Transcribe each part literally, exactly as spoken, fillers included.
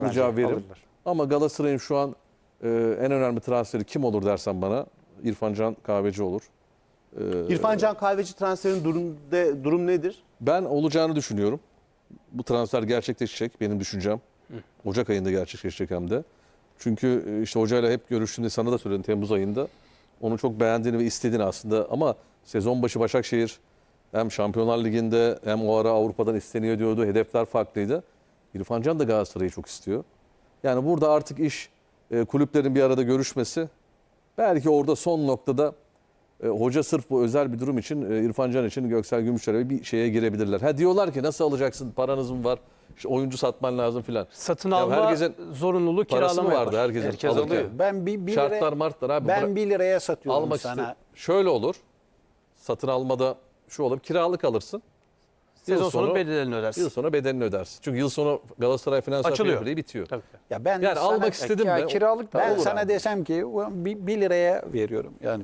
cevap veririm. Ama Galatasaray'ın şu an e, en önemli transferi kim olur dersen bana İrfan Can Kahveci olur. E, İrfan Can Kahveci transferinin durum, de, durum nedir? Ben olacağını düşünüyorum. Bu transfer gerçekleşecek benim düşüncem. Ocak ayında gerçekleşecek hem de. Çünkü işte hocayla hep görüştüğümde sana da söyledim Temmuz ayında. Onu çok beğendiğini ve istediğini aslında ama sezon başı Başakşehir hem Şampiyonlar Ligi'nde hem o ara Avrupa'dan isteniyor diyordu. Hedefler farklıydı. İrfan Can da Galatasaray'ı çok istiyor. Yani burada artık iş e, kulüplerin bir arada görüşmesi. Belki orada son noktada e, hoca sırf bu özel bir durum için e, İrfan Can için Göksel Gümüşler'e bir şeye girebilirler. Ha diyorlar ki nasıl alacaksın? Paranız mı var? İşte oyuncu satman lazım filan. Satın Ya alma herkesin zorunluluğu parası mı kiralama vardı var. herkesin Herkes alırken? alıyor. Ben bir, bir Şartlar liraya, martlar abi. ben Bıra- bir liraya satıyorum almak sana. iste- Şöyle olur. Satın almada şu olur. Kiralık alırsın. Sezon Yıl sonu bedelini ödersin. Yıl sonu bedelini ödersin. Çünkü yıl sonu Galatasaray finansal Açılıyor. fair play bitiyor. Tabii. Ya ben Yani sana, almak istedim ya de. kiralık da ben olur sana abi. desem ki "Ulan bir, bir liraya veriyorum. Yani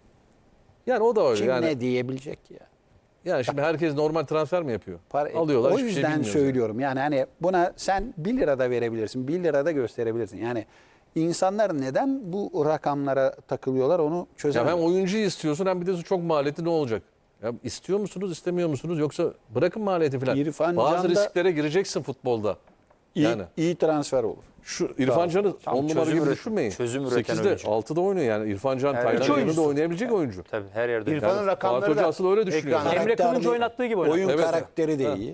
Yani o da öyle. kim Yani, ne diyebilecek ki ya? yani şimdi herkes normal transfer mi yapıyor? Para- Alıyorlar. O hiçbir şey yüzden bilmiyoruz söylüyorum. Yani hani buna sen bir lirada verebilirsin. bir lirada gösterebilirsin. Yani insanlar neden bu rakamlara takılıyorlar onu Yani. Ya çözemem. hem oyuncuyu istiyorsun hem bir de çok maliyeti ne olacak? Ya istiyor musunuz, istemiyor musunuz? Yoksa bırakın maliyeti falan. İrfan Bazı Can'da- risklere gireceksin futbolda. iyi, Yani iyi transfer olur. şu İrfan Can'ı Tam on numara çözüm gibi üreten- düşünmeyin. çözüm üreten sekizde, oyuncu. altıda oynuyor yani. İrfan Can Evet. Taylan Üç yanında oyuncusu. oynayabilecek oyuncu. Tabii her yerde. İrfan'ın Yani rakamları Fatih Hoca da asıl öyle düşünüyor. ekranda. Emre Karakterli- Kılınç oynattığı gibi oynadı. Oyun Evet. karakteri de Ha. iyi.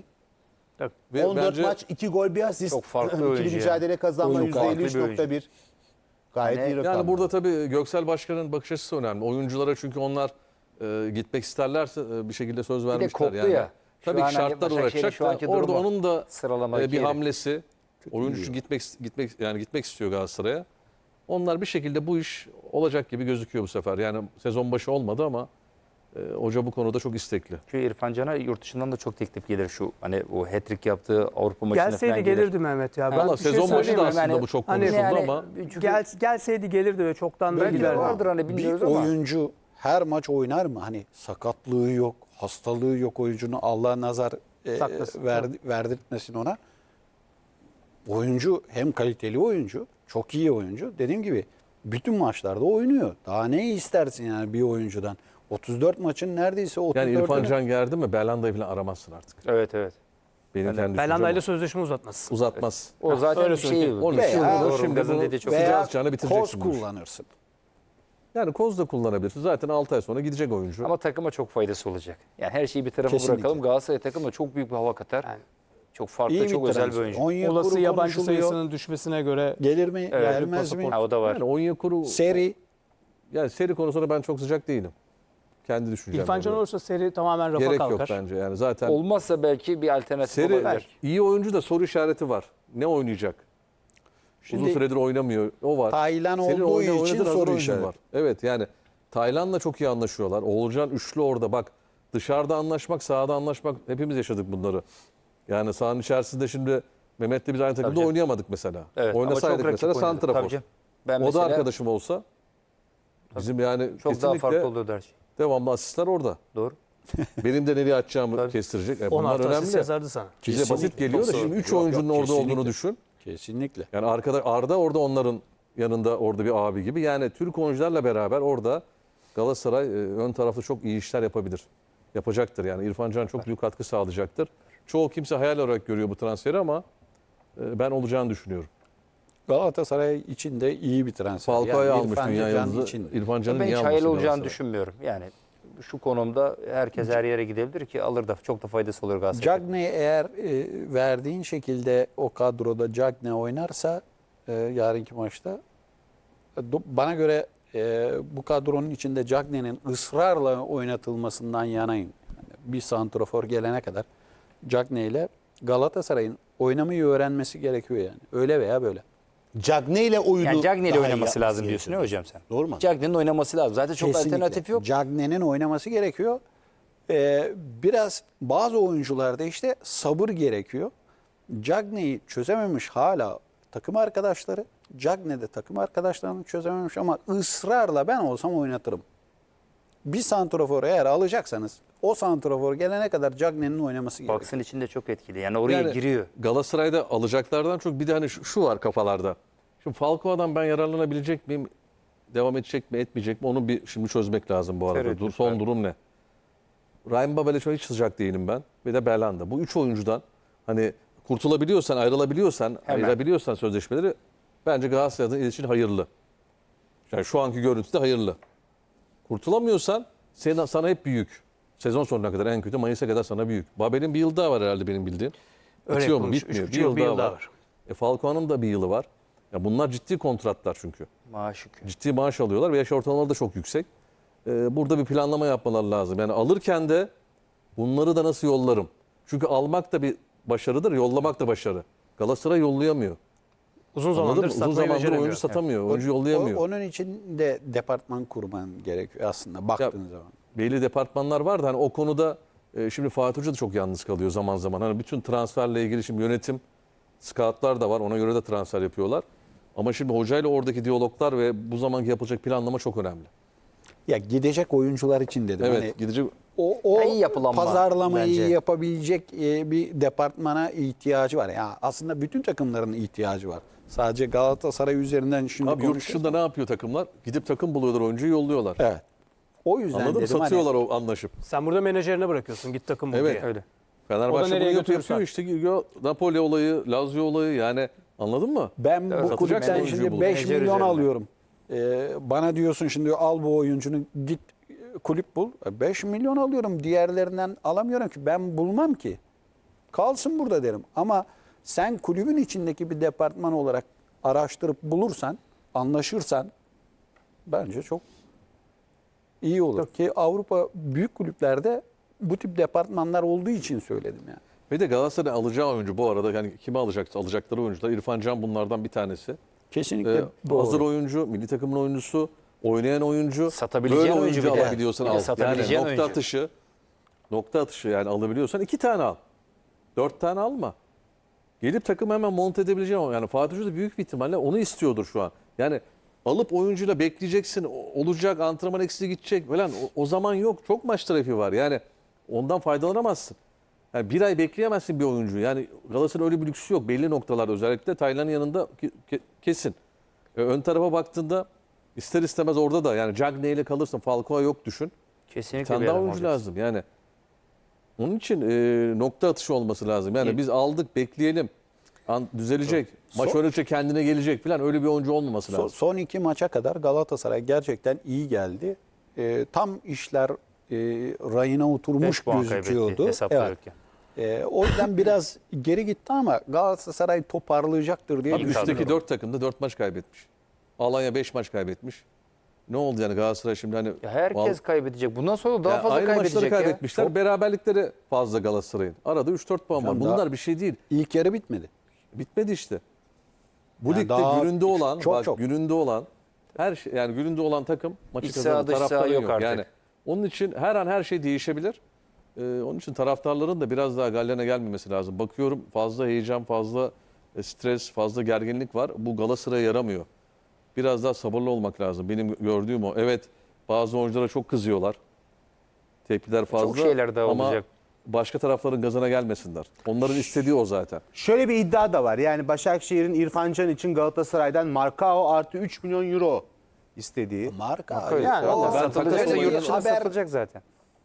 Ve on dört bence maç, iki gol, bir asist. Çok farklı İkili oyuncu mücadele kazanma Oyun yüzde farklı elli üç nokta bir. Gayet Yani- iyi rakam. yani burada tabii Göksel Başkan'ın bakış açısı önemli. Oyunculara çünkü onlar e, gitmek isterlerse e, bir şekilde söz Bir de vermişler. koptu yani. ya. Şu Tabii an ki hani şartlar Başakşehir'in uğraşacak şu da anki orada durumu, onun da sıralama e, bir yeri. hamlesi. Oyuncu gitmek gitmek yani gitmek istiyor Galatasaray'a. Onlar bir şekilde bu iş olacak gibi gözüküyor bu sefer. Yani sezon başı olmadı ama e, hoca bu konuda çok istekli. Çünkü İrfan Can'a yurt dışından da çok teklif gelir şu hani o hat-trick yaptığı Avrupa maçına falan Gelseydi gelir. gelirdi Mehmet ya. Ben Valla bir şey sezon başı söyleyeyim da mi? aslında Yani- bu çok Hani konuşuldu yani- ama Çünkü Gel, gelseydi gelirdi ve çoktan da belki giderdi. vardır hani Bir bilmiyoruz ama. oyuncu her maç oynar mı? Hani sakatlığı yok, hastalığı yok oyuncunun. Allah nazar e, Saklasın. verdi- verdirtmesin ona. Oyuncu hem kaliteli oyuncu, çok iyi oyuncu. Dediğim gibi bütün maçlarda oynuyor. Daha ne istersin yani bir oyuncudan? otuz dört maçın neredeyse otuz dört. yani İrfan Can geldi mi Belanda'yı falan aramazsın artık. Evet evet. Benim kendi düşüncem Belanda ile o. sözleşme uzatmaz. Uzatmaz. O zaten öyle bir şey. söyleyeyim. Onun Veya- için Doğru, şimdi Gaz'ın bunu dediği çok veya sıcağına bitireceksin koz bu işi. kullanırsın. Yani koz da kullanabilirsin. Zaten altı ay sonra gidecek oyuncu. Ama takıma çok faydası olacak. Yani her şeyi bir tarafa Kesinlikle. bırakalım. Galatasaray takımı çok büyük bir hava katar. Yani. Çok farklı, İyi çok bir özel bir transfer. oyuncu. Onyekuru Olası yabancı konuşuluyor. sayısının düşmesine göre Gelir mi? Evet, Gelmez mi? Ha, o da var. Yani Onyekuru Seri. yani seri konusunda ben çok sıcak değilim. Kendi düşüncem. İrfan Can olursa seri tamamen rafa Gerek kalkar. yok bence. Yani zaten Olmazsa belki bir alternatif seri olabilir. iyi oyuncu da soru işareti var. Ne oynayacak? Şimdi Uzun süredir oynamıyor. O var. Taylan Senin olduğu oyna- için oynadığın hazır soru oyuncun işareti. var. Evet yani Taylan'la çok iyi anlaşıyorlar. Oğulcan üçlü orada bak. Dışarıda anlaşmak, sahada anlaşmak hepimiz yaşadık bunları. Yani sahanın içerisinde şimdi Mehmet'le biz aynı takımda canım. oynayamadık mesela. Evet, ama Oynasaydık çok rakip mesela oynadık. santrafor. Tabii canım. Ben O mesela da arkadaşım olsa bizim yani çok daha kesinlikle farklı oluyordu her şey. devamlı asistler orada. Doğru. Benim de nereye atacağımı Tabii. kestirecek. E on bunlar artı asist önemli. yazardı sana. Bize basit Kesinlikle. geliyor da Çok şimdi doğru. üç Yok, oyuncunun yok, orada olduğunu kesinlikle. düşün. Kesinlikle. Yani arkada Arda orada onların yanında orada bir abi gibi. Yani Türk oyuncularla beraber orada Galatasaray e, ön tarafta çok iyi işler yapabilir. Yapacaktır yani. İrfan Can çok büyük katkı sağlayacaktır. Çoğu kimse hayal olarak görüyor bu transferi ama e, ben olacağını düşünüyorum. Galatasaray için de iyi bir transfer. Falcao'yu Yani almış İrfan dünya Can yıldızı. için. İrfan Can'ın Ben niye hiç alması hayal olacağını Galatasaray? düşünmüyorum. Yani şu konumda herkes her yere gidebilir ki alır da çok da faydası olur Galatasaray. Cagney eğer e, verdiğin şekilde o kadroda Cagney oynarsa e, yarınki maçta e, do- bana göre e, bu kadronun içinde Cagney'nin ısrarla oynatılmasından yanayım. Yani bir santrafor gelene kadar Cagney ile Galatasaray'ın oynamayı öğrenmesi gerekiyor yani. Öyle veya böyle. Cagney ile oyunu Yani Cagney ile daha iyi oynaması yapması lazım diyorsun gerekiyor. ne hocam sen? Doğru mu? Cagney'in oynaması lazım. Zaten çok Kesinlikle. alternatif yok. Cagney'in oynaması gerekiyor. Ee, biraz bazı oyuncularda işte sabır gerekiyor. Cagney'i çözememiş hala takım arkadaşları. Cagney de takım arkadaşlarını çözememiş ama ısrarla ben olsam oynatırım. bir santrafor eğer alacaksanız o santrafor gelene kadar Cagney'in oynaması gerekiyor. Box'ın içinde çok etkili. Yani oraya Yani giriyor. Galatasaray'da alacaklardan çok bir de hani şu, şu var kafalarda. Şimdi Falcao'dan ben yararlanabilecek miyim? Devam edecek mi, etmeyecek mi? Onu bir şimdi çözmek lazım bu arada. Tereddüt Dur, son var. durum ne? Ryan Babel'e hiç sıcak değilim ben. Ve de Belhanda. Bu üç oyuncudan hani kurtulabiliyorsan, ayrılabiliyorsan, Hemen. ayırabiliyorsan sözleşmeleri bence Galatasaray'ın için hayırlı. Yani şu anki görüntüde hayırlı. Kurtulamıyorsan senin, sana hep büyük. Sezon sonuna kadar en kötü Mayıs'a kadar sana büyük. Babel'in bir yıl daha var herhalde benim bildiğim. Öyle Bitiyor mu? konuş- Bitmiyor. üç Bir buçuk yıl, bir daha, yıl daha var. var. E Falcao'nun da bir yılı var. Ya bunlar ciddi kontratlar çünkü. Maaş yükü. Ciddi maaş alıyorlar ve yaş ortalamaları da çok yüksek. Ee, burada bir planlama yapmaları lazım. Yani alırken de bunları da nasıl yollarım? Çünkü almak da bir başarıdır, yollamak da başarı. Galatasaray yollayamıyor. Uzun Anladın zamandır mı? Uzun satmayı zamandır beceremiyor. oyuncu satamıyor, oyuncu O- yollayamıyor. onun için de departman kurman gerekiyor aslında baktığın zaman. Belli departmanlar var da hani o konuda e, şimdi Fatih Hoca da çok yalnız kalıyor zaman zaman. Hani bütün transferle ilgili şimdi yönetim, scoutlar da var. Ona göre de transfer yapıyorlar. Ama şimdi hocayla oradaki diyaloglar ve bu zamanki yapılacak planlama çok önemli. Ya gidecek oyuncular için dedim. Evet, Hani gidecek o, o Ya iyi yapılanma pazarlamayı bence. yapabilecek e, bir departmana ihtiyacı var. Ya aslında bütün takımların ihtiyacı var. Sadece Galatasaray üzerinden şimdi Abi yurt konuşuyoruz. dışında ne yapıyor takımlar? Gidip takım buluyorlar, oyuncuyu yolluyorlar. Evet. O yüzden Anladın mı? dedim hani- Satıyorlar o anlaşıp. Sen burada menajerine bırakıyorsun. Git takım bul Evet. diye. Öyle. O da Fenerbahçe nereye bunu yapıyor, götürürsen. yapıyor işte gidiyor. Napoli olayı, Lazio olayı yani anladın mı? Ben bu Satacaksın kulüpten oyuncuyu şimdi bulup. beş Menajer milyon üzerinden. alıyorum. Ee, bana diyorsun şimdi al bu oyuncunu git e, kulüp bul. beş milyon alıyorum. Diğerlerinden alamıyorum ki. Ben bulmam ki. Kalsın burada derim. Ama sen kulübün içindeki bir departman olarak araştırıp bulursan, anlaşırsan bence çok iyi olur. Ki Avrupa büyük kulüplerde bu tip departmanlar olduğu için söyledim yani. Ve de Galatasaray alacağı oyuncu bu arada yani kime alacaksa alacakları oyuncular. İrfan Can bunlardan bir tanesi. Kesinlikle Ee, doğru. hazır oyuncu, milli takımın oyuncusu, oynayan oyuncu. Satabileceğin böyle oyuncu oyuncu bir de. alabiliyorsan Bir de al. satabileceğin Yani nokta oyuncu. atışı, nokta atışı yani alabiliyorsan iki tane al. Dört tane alma. Gelip takım hemen monte edebileceğin o. Yani Fatih Hoca da büyük bir ihtimalle onu istiyordur şu an. Yani alıp oyuncuyla bekleyeceksin, o- olacak, antrenman eksiği gidecek falan. O, o zaman yok. Çok maç trafiği var. Yani ondan faydalanamazsın. Yani bir ay bekleyemezsin bir oyuncuyu. Yani Galatasaray'ın öyle bir lüksü yok. Belli noktalarda özellikle Taylan'ın yanında ke- ke- kesin. E, ön tarafa baktığında ister istemez orada da yani Cagney ile kalırsın. Falcao yok düşün. Bir Kesinlikle tane bir daha adam oyuncu olacak. lazım. Yani onun için e, nokta atışı olması lazım. Yani İyi. biz aldık bekleyelim. An, düzelecek. Maç Son- oynayınca kendine gelecek falan öyle bir oyuncu olmaması So- lazım. Son iki maça kadar Galatasaray gerçekten iyi geldi. Ee, tam işler e, rayına oturmuş beş puan gözüküyordu. kaybetti hesapta Evet. yokken. Ee, o yüzden biraz geri gitti ama Galatasaray toparlayacaktır diye Abi düşünüyorum. üstteki dört takımda dört maç kaybetmiş. Alanya beş maç kaybetmiş. Ne oldu yani Galatasaray şimdi hani... Ya herkes Val- kaybedecek. Bundan sonra daha Yani fazla aynı kaybedecek maçları ya. kaybetmişler. Çok- Beraberlikleri fazla Galatasaray'ın. Arada üç dört puan var. Hocam Bunlar daha- bir şey değil. İlk yarı bitmedi. Bitmedi işte. Bu Yani ligde daha gününde olan, çok bak çok. gününde olan her şey yani gününde olan takım maçı İç kazanır. saha, dış saha Taraftarın yok yok. artık. Yani onun için her an her şey değişebilir. Ee, onun için taraftarların da biraz daha gallerine gelmemesi lazım. Bakıyorum fazla heyecan, fazla e, stres, fazla gerginlik var. Bu Galatasaray'a yaramıyor. Biraz daha sabırlı olmak lazım. Benim gördüğüm o. Evet bazı oyunculara çok kızıyorlar. Tepkiler fazla. şeyler daha ama olacak. başka tarafların gazına gelmesinler. Onların istediği o zaten. Şöyle bir iddia da var. Yani Başakşehir'in İrfan Can için Galatasaray'dan Markao artı üç milyon euro istediği. Marka Öyle. yani o Ben satılacak takas da yurt olayı- dışına haber satılacak zaten.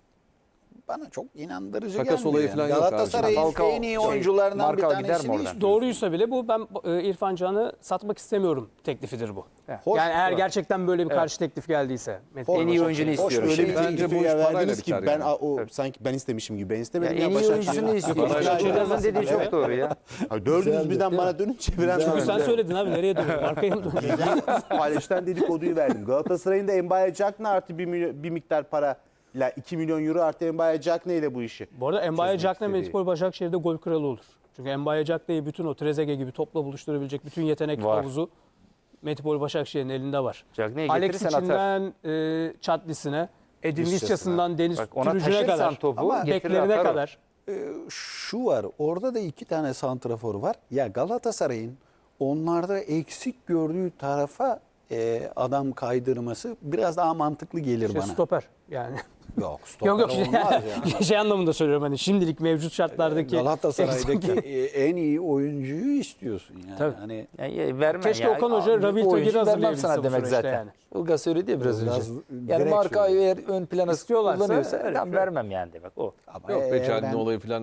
bana çok inandırıcı Takas gelmiyor. olayı yani. falan yok abi. Galatasaray'ın Falcao en iyi şey, oyuncularından bir Marcao gider mi tanesini oradan? istiyor. Doğruysa bile bu ben e, İrfan Can'ı satmak istemiyorum teklifidir bu. Hoş- yani eğer gerçekten böyle bir karşı teklif geldiyse. Hoş- En iyi oyuncunu Hoş- istiyorum. Öyle bir Bence teklifi bu iş parayla verdiniz ki biter ben yani. a- o sanki ben istemişim gibi. Ben Ya istemedim en ya, iyi Başakşehir. oyuncusunu istiyor. Parayla Yılmaz'ın dediği çok doğru ya. Abi dördünüz birden bana dönüp çeviren Çünkü sen sonra söyledin abi nereye dönüyorsun? Arkaya mı dönüyorsun? paylaşılan dedikoduyu verdim. Galatasaray'ın da Mbaye Cagney artı bir, milyon- bir miktar para ile iki milyon euro artı Mbaye Cagney ile bu işi. Bu arada Mbaye Çözmek Cagney istediği. Medipol Başakşehir'de gol kralı olur. Çünkü Mbaye Cagney'i bütün o Trezeguet gibi topla buluşturabilecek bütün yetenek Var. havuzu Medipol Başakşehir'in elinde var. Cagney'i Alex getirirsen atar. içinden e, Çatlisine, Edin Visca'sına. Visca'sından Deniz Bak ona Türücü'ne taşırsan kadar, topu Ama getirir beklerine atar o. kadar. Ee, şu var, orada da iki tane santrafor var. Ya Galatasaray'ın onlarda eksik gördüğü tarafa e, adam kaydırması biraz daha mantıklı gelir İşte bana. stoper yani. Yok stoper yok yok şey, olmaz yani. şey anlamında söylüyorum hani şimdilik mevcut şartlardaki Galatasaray'daki e, en iyi oyuncuyu istiyorsun yani. Tabii. Hani Yani verme Keşke ya. Okan Hoca Abi, Rabil oyuncu Tagir'i vermem hazırlayabilse sana bu demek süreçte zaten. yani. Ilgaz söyledi ya biraz Ilgaz önce. direkt Yani markayı söyledi. eğer ön plana İstiyorlarsa kullanıyorsa öyle tamam bir şey. vermem yani demek o. ama Yok be eğer Cagney ben- olayı falan